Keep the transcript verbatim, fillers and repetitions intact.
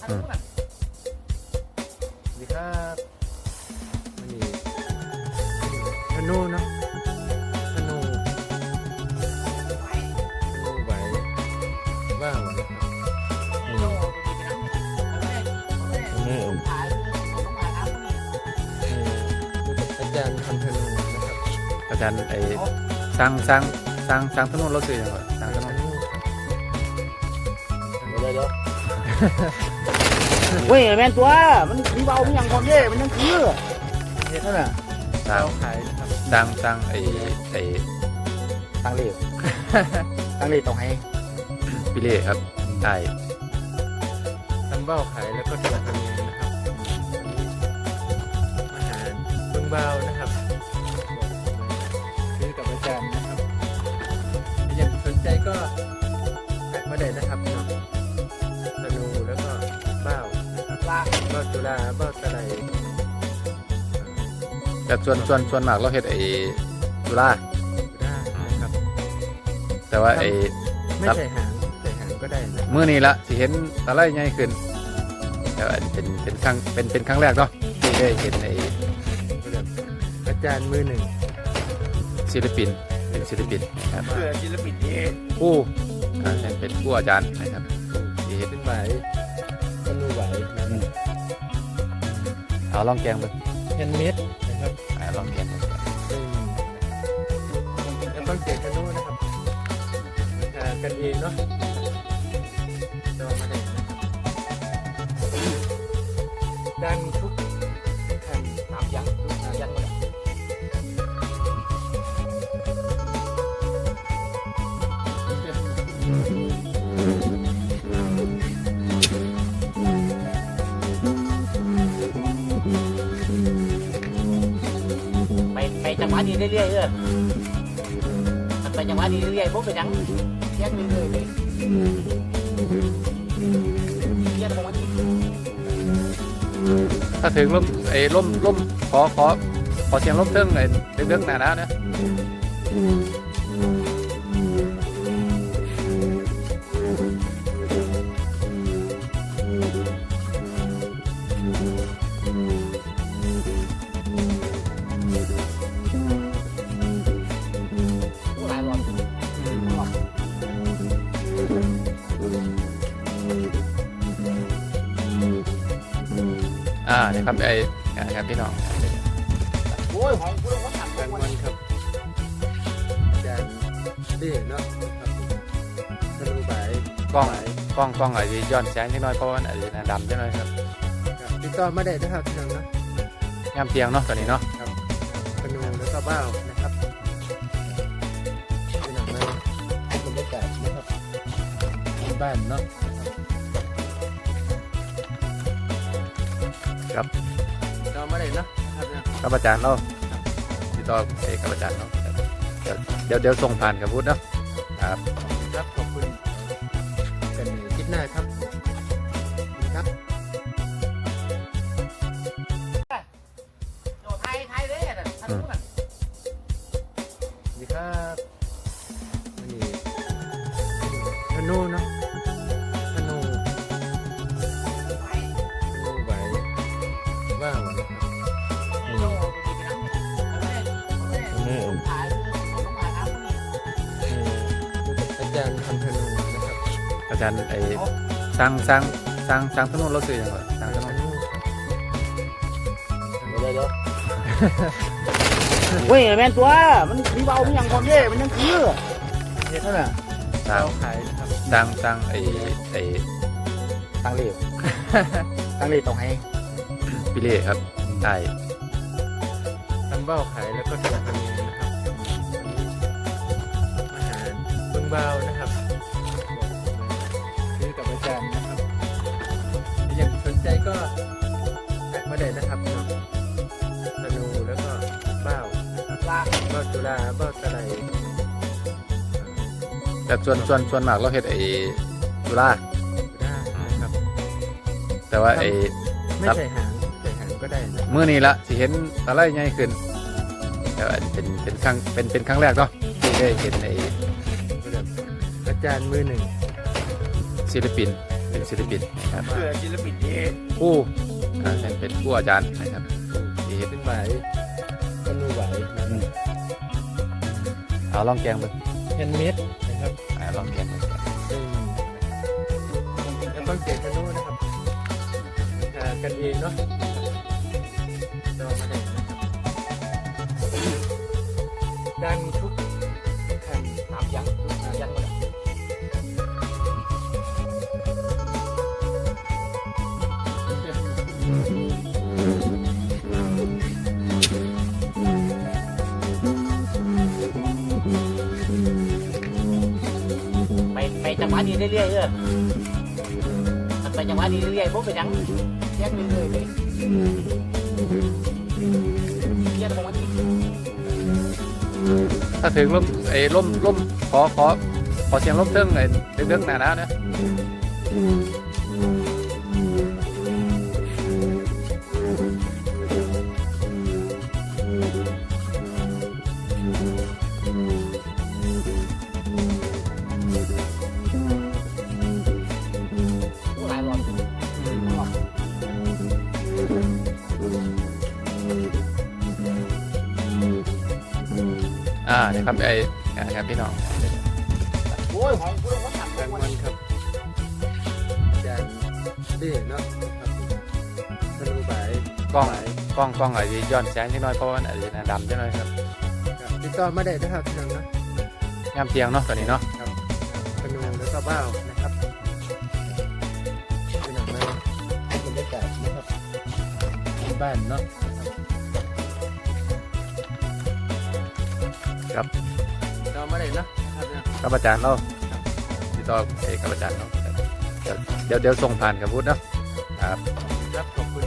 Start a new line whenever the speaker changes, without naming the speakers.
สวัสดีครับวันนี้ธนูเนาะธนูธนูไหวว่าวนะครับนี่อาจารย์ทำธนูนะครับ
อาจารย์ไอ้สร้างสร้างสร้างสร้างถนนรถสื่อยังไงสร้างถนน
เดี๋ยวเดี๋ยว
เว้ยแม่นตัวมันมีเบามันยังคนเด้มันยังคือเฮ็ดนั่นน่ะ
สร้าง
เราขายนะครับ
สร้างสร้างไอ้ไอ้
ตังเลขตังเลขต้องให้
พิเล่ครับใช่
ทำเบ้าขายแล้วก็ทำธนูนะครับอาหารเบื้องเบ้านะครับซื้อกับอาจารย์นะครับถ้ายังสนใจก็ทักมาได้นะครับเนาะธนูแล้วก็เบ้านะครับ
ลา
เบ้าจุฬาเบ้าตะไล
แต่ส่วนส่วนส่วนมากเราเฮ็ดไอ้จุฬา
ได้นะครับ
แต่ว่าไอ้
ไม่ใส่หางใส่หางก็ได้นะ
มื้อนี้ละสิเห็นอะไรใหญ่ขึ้นแต่ว่าเป็นเป็นครั้งเป็นเป็นครั้งแรกเนาะที่ได้เห็นไอ้
อาจารย์มือหนึ่ง
ศิลปินเป็นศิลปินนะครับ
เพื่อศิลปินเอง
ผู้อ่าเป็นผู้อาจารย์นะครับที่เฮ็ด
เป็นไหวธนูไหวนะครับ
เอาลองแกงเบิ่ง
แฮนด์เมดนะครับ
อ่าลองแกงเบิ่ง
ซึ่งแล้วต้องเก็บธนูนะครับราคากันเองเนาะจองมาได้นะครับดังทุกแผ่น
น้ำยังน้ำยังหมด ไปไปจังหวะนี้เรื่อยๆเออมันไปจังหวะนี้เรื่อยๆพวกเป็นยังแยกเรื่อยๆเลยแยกตรงนี้
ถ้าถึงลมไอ้ลมลมขอขอขอเสียงลมเทิงไอ้เทิงๆหนาๆนะ
หลายรอบ
อ่านี่ครับไอ้ครับพี่น้อง
โอ้ยของกูต้องขัด
การวันครับอาจารย์เด่เนาะนะครับธนูไหว
กล้องกล้องกล้องอาจจะย้อนแสงนิดหน่อยเพราะว่าอาจจะดำนิดหน่อยครับ
ครับติดต่อมาได้นะครับพี่น้องเนาะ
ย่ำเตียงเนาะตอนนี้เนาะ
ธนูแล้วก็บ้าวนะครับพี่น้องมาบรรยากาศนะครับบ้านเนาะ
ครับ
ติดต่อมาได้เนาะครับเนี่ย
กับอาจารย์เราติดต่อเอกกับอาจารย์เนาะเดี๋ยวเดี๋ยวเดี๋ยวส่งผ่านกับพุทธเนาะครับ
ครับขอบคุณกันในคลิปหน้าครับครับ
โอ้ไทยไทยเลยอ่ะท่านรู้กัน
สวัสดีครับวันนี้ธนูเนาะธนูธนูไหวว่าวนะครับนี่อาจารย์ทำธนูนะครับ
อาจารย์ไอ้สร้างสร้างสร้างสร้างถนนรถสื่อยังไงสร้างถนน
เดี๋ยวเดี๋ยวเว้ยแม่นตัวมันมีเบามันยังคนเด้มันยังคือเฮ็ดนั่นน่ะ
สร้าง
เราขายนะครับ
สร้างสร้างไอ้ไอ้
ตังเลขตังเลขต้องให้
พิเล่ครับใช่
ทำเบ้าขายแล้วก็ทำธนูนะครับอาหารเบื้องเบ้านะครับซื้อกับอาจารย์นะครับถ้ายังสนใจก็ทักมาได้นะครับเนาะธนูแล้วก็เบ้านะครับ
ลา
เบ้าจุฬาเบ้าตะไล
แต่ส่วนส่วนส่วนมากเราเฮ็ดไอ้จุฬา
ได้นะครับ
แต่ว่าไอ้
ไม่ใส่หางใส่หางก็ได้นะ
มื้อนี้ละสิเห็นอะไรใหญ่ขึ้นแต่ว่าเป็นเป็นครั้งเป็นเป็นครั้งแรกเนาะที่ได้เห็นไอ้
อาจารย์มือหนึ่ง
ศิลปิน
เ
เป็นศิลปินนะครับ
เพื่อศิลปินที่
ผู้อ่าเป็นผู้อาจารย์นะครับที่เฮ็ด
เป็นไหวธนูไหวนะครับ
เอาลองแกงมึง
แฮนด์เมดนะครับ
อ่าลองแกงมึง
ซึ่งแล้วต้องเสียงธนูนะครับหากันเองเนาะจอมาได้นะครับดังทุกแผ่น
ถามยังยังหมดไปไปจังหวะนี้เรื่อยๆเออมันไปจังหวะนี้เรื่อยๆผมเป็นยังแย่งเรื่อยๆเลยแย่งตรงนี้
ถ้าถึงล่มไอ้ล่มล่มขอขอขอเสียงล่มเทิงไอ้เทิงๆหนาๆนะ
หลายรอบ
อ่าเดี๋ยวครับไอ้นะครับพี่น้อง
โอ้ยของกูต้องขับ
รางวัลครับอาจารย์ดีเนาะครับธนูไหว
กล้องกล้องกล้องอาจจะย้อนแสงนิดหน่อยเพราะว่ามันอาจจะหน้าดำนิดหน่อยครับ
ครับติดต่อมาได้นะครับพี่น้องนะ
ยามเที่ยงเนาะตอนนี้เนาะ
ธนูแล้วก็ว่าวนะครับพี่น้องมาบรรยากาศนะครับบ้านเนาะ
ครับ
ติดต่อมาได้เนาะครับเนี่ย
กับอาจารย์เราติดต่อไอ้กับอาจารย์เนาะเดี๋ยวเดี๋ยวเดี๋ยวส่งผ่านกับพุทธเนาะครับ
ครับขอบคุณ